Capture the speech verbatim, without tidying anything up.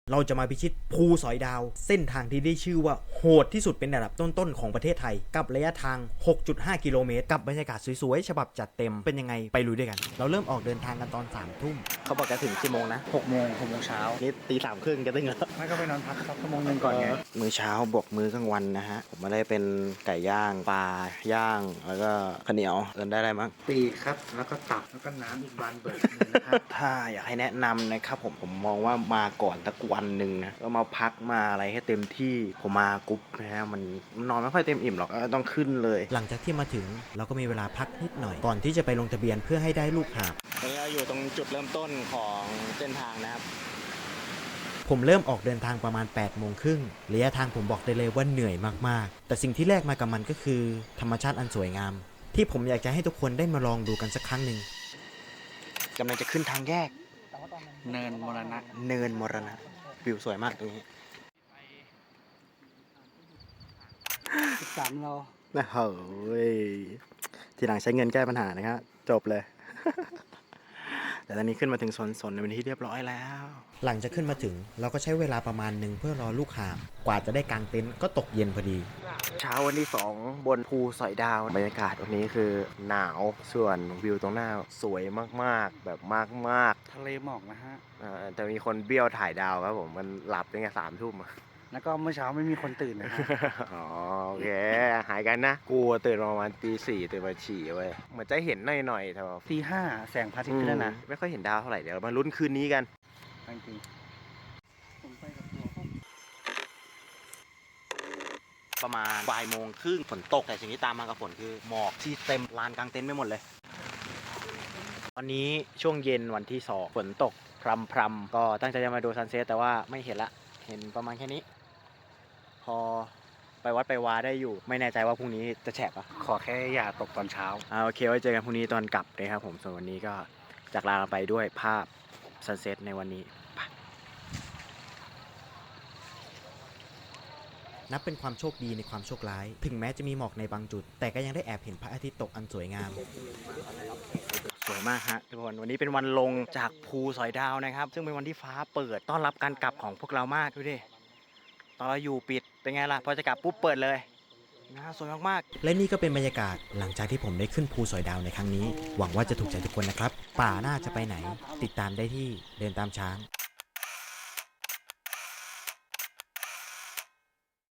เราจะมาพิชิตภูสอยดาวเส้นทางที่ได้ชื่อว่าโหดที่สุดเป็นระดับต้นๆของประเทศไทยกับระยะทาง หกจุดห้า กิโลเมตรกับบรรยากาศสวยๆฉบับจัดเต็มเป็นยังไงไปลุยด้วยกันเราเริ่มออกเดินทางกันตอนสามทุ่มเขาบอกจะถึงกี่โมงนะหกโมงหกโมงเช้านี่ตีสามครึ่งจะถึงแล้วไม่ก็ไปนอนพักสักชั่วโมงนึงก่อนไงมื้อเช้าบวกมื้อกลางวันนะฮะผมมาได้เป็นไก่ย่างปลาย่างแล้วก็ข้าวเหนียวเอินได้อะไรมั้งปีกครับแล้วก็ตับแล้วก็น้ำอีกบานเบิร์ดนะครับถ้าอยากให้แนะนำนะครับผมผมมองว่ามาก่อนสักวันหนึ่งนะก็มาพักมาอะไรให้เต็มที่ผมมากรุ๊ปนะฮะมันนอนไม่ค่อยเต็มอิ่มหรอกต้องขึ้นเลยหลังจากที่มาถึงเราก็มีเวลาพักนิดหน่อยก่อนที่จะไปลงทะเบียนเพื่อให้ได้ลูกหาบตอนนี้เราอยู่ตรงจุดเริ่มต้นของเส้นทางนะครับผมเริ่มออกเดินทางประมาณแปดโมงครึ่งระยะทางผมบอกได้เลยว่าเหนื่อยมากๆแต่สิ่งที่แลกมากับมันก็คือธรรมชาติอันสวยงามที่ผมอยากจะให้ทุกคนได้มาลองดูกันสักครั้งหนึ่งกำลังจะขึ้นทางแยกเนินมรณะเนินมรณะวิวสวยมากตรงนี้สิบสามโลนะเฮ้ยทีหลังใช้เงินแก้ปัญหานะครับจบเลย แต่ตอนนี้ขึ้นมาถึงสวนสนในวันที่เรียบร้อยแล้วหลังจากขึ้นมาถึงเราก็ใช้เวลาประมาณหนึ่งเพื่อรอลูกหาบกว่าจะได้กางเต็นท์ก็ตกเย็นพอดีเช้าวันที่สองบนภูสอยดาวบรรยากาศวันนี้คือหนาวส่วนวิวตรงหน้าสวยมากๆแบบมากๆทะเลหมอกนะฮะแต่มีคนเบี้ยวถ่ายดาวครับผมมันหลับตั้งแต่สามทุ่มแล้วก็เมื่อเช้าไม่มีคนตื่นนะฮะอ๋อโอเคหายกันนะกูตื่นประมาณตีสี่ตื่นมาฉี่เว้ยเหมือนจะเห็นหน่อยๆแต่ว่าตีห้าแสงพระอาทิตย์ขึ้นแล้วนะไม่ค่อยเห็นดาวเท่าไหร่เดี๋ยวมาลุ้นคืนนี้กันจริงผมไปกับตัวประมาณบ่ายโมงครึ่งฝนตกแต่สิ่งที่ตามมากับฝนคือหมอกที่เต็มลานกลางเต็นท์ไปหมดเลยตอนนี้ช่วงเย็นวันที่สองฝนตกพรำๆก็ตั้งใจจะมาดูซันเซ็ตแต่ว่าไม่เห็นละเห็นประมาณแค่นี้พอไปวัดไปวาได้อยู่ไม่แน่ใจว่าพรุ่งนี้จะแฉะปะขอแค่อย่าตกตอนเช้าอ่าโอเคไว้เจอกันพรุ่งนี้ตอนกลับเลยครับผมส่วนวันนี้ก็จากลาไปด้วยภาพซันเซ็ตในวันนี้นับเป็นความโชคดีในความโชคร้ายถึงแม้จะมีหมอกในบางจุดแต่ก็ยังได้แอบเห็นพระอาทิตย์ตกอันสวยงามสวยมากฮะทุกคนวันนี้เป็นวันลงจากภูสอยดาวนะครับซึ่งเป็นวันที่ฟ้าเปิดต้อนรับการกลับของพวกเรามากดูดิตอนเราอยู่ปิดเป็นไงล่ะพอจะกลับปุ๊บเปิดเลยน่าสวยมากๆและนี่ก็เป็นบรรยากาศหลังจากที่ผมได้ขึ้นภูสอยดาวในครั้งนี้หวังว่าจะถูกใจทุกคนนะครับป่าน่าจะไปไหนติดตามได้ที่เดินตามช้าง